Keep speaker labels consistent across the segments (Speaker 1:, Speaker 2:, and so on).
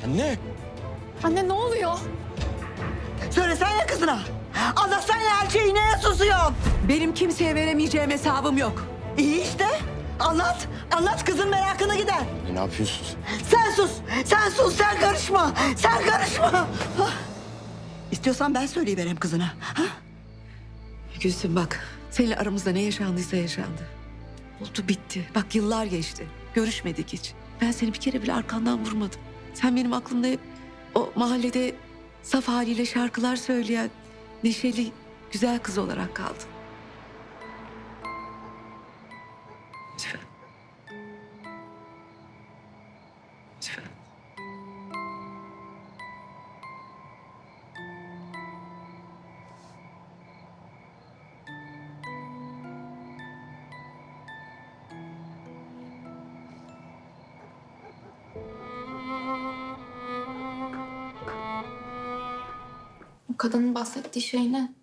Speaker 1: Anne!
Speaker 2: Anne ne oluyor?
Speaker 3: Söylesene kızına. Anlatsana her şeyi, neye susuyorsun?
Speaker 4: Benim kimseye veremeyeceğim hesabım yok.
Speaker 3: İyi işte. Anlat. Anlat, kızın merakını gider.
Speaker 1: Ne yapıyorsun?
Speaker 3: Sen sus. Sen sus. Sen karışma. Sen karışma. Hah. İstiyorsan ben söyleyivereyim kızına. Ha?
Speaker 4: Gülsüm bak, seninle aramızda ne yaşandıysa yaşandı. Oldu bitti. Bak yıllar geçti. Görüşmedik hiç. Ben seni bir kere bile arkandan vurmadım. Sen benim aklımda hep o mahallede saf haliyle şarkılar söyleyen neşeli, güzel kız olarak kaldın. Lütfen. Lütfen.
Speaker 2: O kadının bahsettiği şey ne?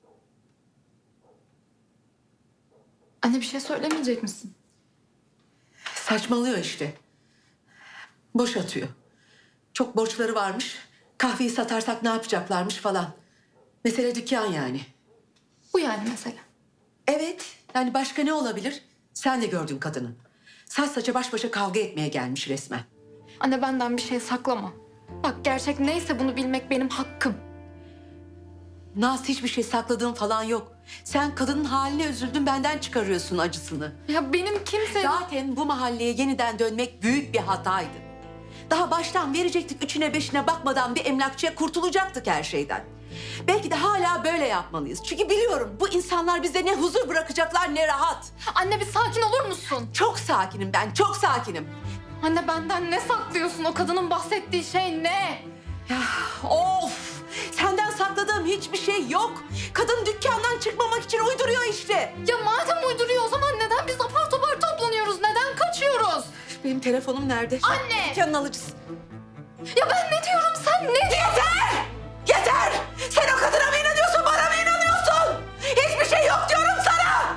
Speaker 2: Anne bir şey söylemeyecek misin?
Speaker 4: Saçmalıyor işte. Boş atıyor. Çok borçları varmış. Kahveyi satarsak ne yapacaklarmış falan. Mesele dükkan yani.
Speaker 2: Bu yani mesele.
Speaker 4: Evet. Yani başka ne olabilir? Sen de gördün kadını. Saç saça baş başa kavga etmeye gelmiş resmen.
Speaker 2: Anne benden bir şey saklama. Bak gerçek neyse bunu bilmek benim hakkım.
Speaker 4: Naz hiçbir şey sakladığın falan yok. Sen kadının haline üzüldün, benden çıkarıyorsun acısını.
Speaker 2: Ya benim kimse...
Speaker 4: Zaten bu mahalleye yeniden dönmek büyük bir hataydı. Daha baştan verecektik, üçüne beşine bakmadan bir emlakçıya, kurtulacaktık her şeyden. Belki de hala böyle yapmalıyız. Çünkü biliyorum bu insanlar bize ne huzur bırakacaklar ne rahat.
Speaker 2: Anne bir sakin olur musun?
Speaker 4: Çok sakinim ben, çok sakinim.
Speaker 2: Anne benden ne saklıyorsun? O kadının bahsettiği şey ne?
Speaker 4: Ya of! Senden sakladığım hiçbir şey yok. Kadın dükkandan çıkmamak için uyduruyor işte.
Speaker 2: Ya madem uyduruyor o zaman neden biz apar topar toplanıyoruz? Neden kaçıyoruz?
Speaker 4: Benim telefonum nerede?
Speaker 2: Anne!
Speaker 4: Dükkanın alıcısı.
Speaker 2: Ya ben ne diyorum sen ne diyorsun?
Speaker 4: Yeter! Yeter! Sen o kadına mı inanıyorsun, bana mı inanıyorsun? Hiçbir şey yok diyorum sana!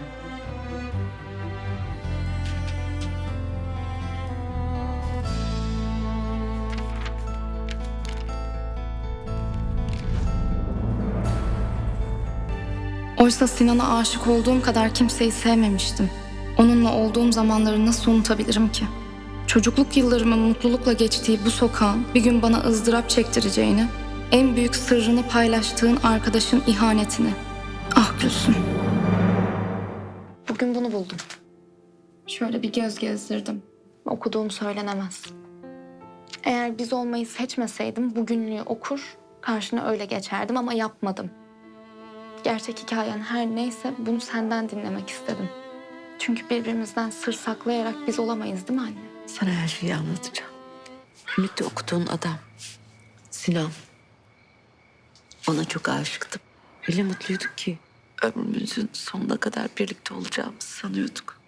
Speaker 2: Oysa Sinan'a aşık olduğum kadar kimseyi sevmemiştim. Onunla olduğum zamanları nasıl unutabilirim ki? Çocukluk yıllarımın mutlulukla geçtiği bu sokağın bir gün bana ızdırap çektireceğini, en büyük sırrını paylaştığın arkadaşın ihanetini. Ah Gülsüm. Bugün bunu buldum. Şöyle bir göz gezdirdim. Okuduğum söylenemez. Eğer biz olmayı seçmeseydim bugünlüğü okur, karşına öyle geçerdim ama yapmadım. Gerçek hikayen her neyse bunu senden dinlemek istedim. Çünkü birbirimizden sır saklayarak biz olamayız değil mi anne?
Speaker 4: Sana her şeyi anlatacağım. Ümit'te okuduğun adam. Sinan. Ona çok aşıktım. Öyle mutluyduk ki ömrümüzün sonuna kadar birlikte olacağımızı sanıyorduk.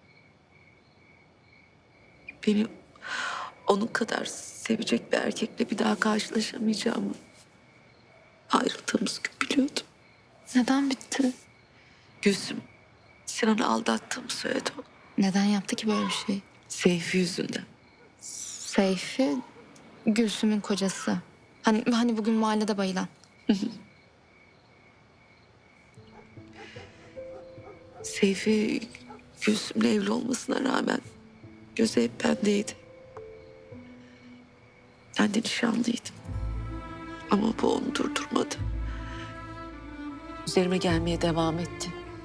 Speaker 4: Beni onun kadar sevecek bir erkekle bir daha karşılaşamayacağımı ayrıldığımız gün biliyordum.
Speaker 2: Neden bitti?
Speaker 4: Gülsüm, Sinan'ı aldattığımı söyledi ona.
Speaker 2: Neden yaptı ki böyle bir şey?
Speaker 4: Seyfi yüzünden.
Speaker 2: Seyfi, Gülsüm'ün kocası. Hani bugün mahallede bayılan.
Speaker 4: Seyfi Gülsüm'le evli olmasına rağmen gözü hep bendeydi. Ben de nişanlıydım. Ama bu onu durdurmadı. Üzerime gelmeye devam etti.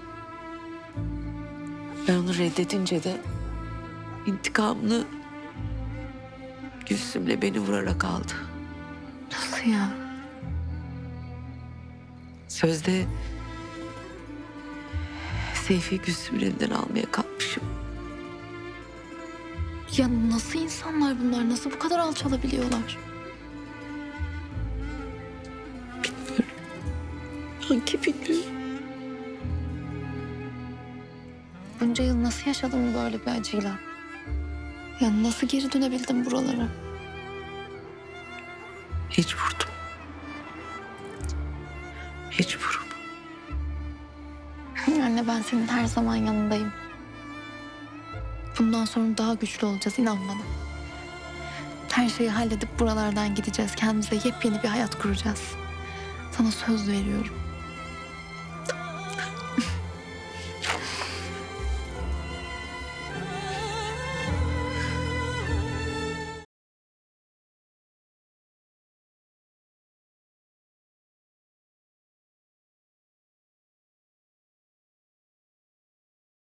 Speaker 4: Ben onu reddedince de intikamını Gülsüm'le beni vurarak aldı.
Speaker 2: Nasıl ya?
Speaker 4: Sözde Seyfi Gülsüm'ün elinden almaya kalkmışım.
Speaker 2: Ya nasıl insanlar bunlar? Nasıl bu kadar alçalabiliyorlar?
Speaker 4: Bilmiyorum. Sanki bilmiyorum.
Speaker 2: Bunca yıl nasıl yaşadın böyle bir acıyla? Ya nasıl geri dönebildim buralara?
Speaker 4: Mecburdum. Mecburum.
Speaker 2: Anne ben senin her zaman yanındayım. Bundan sonra daha güçlü olacağız inan bana. Her şeyi halledip buralardan gideceğiz. Kendimize yepyeni bir hayat kuracağız. Sana söz veriyorum.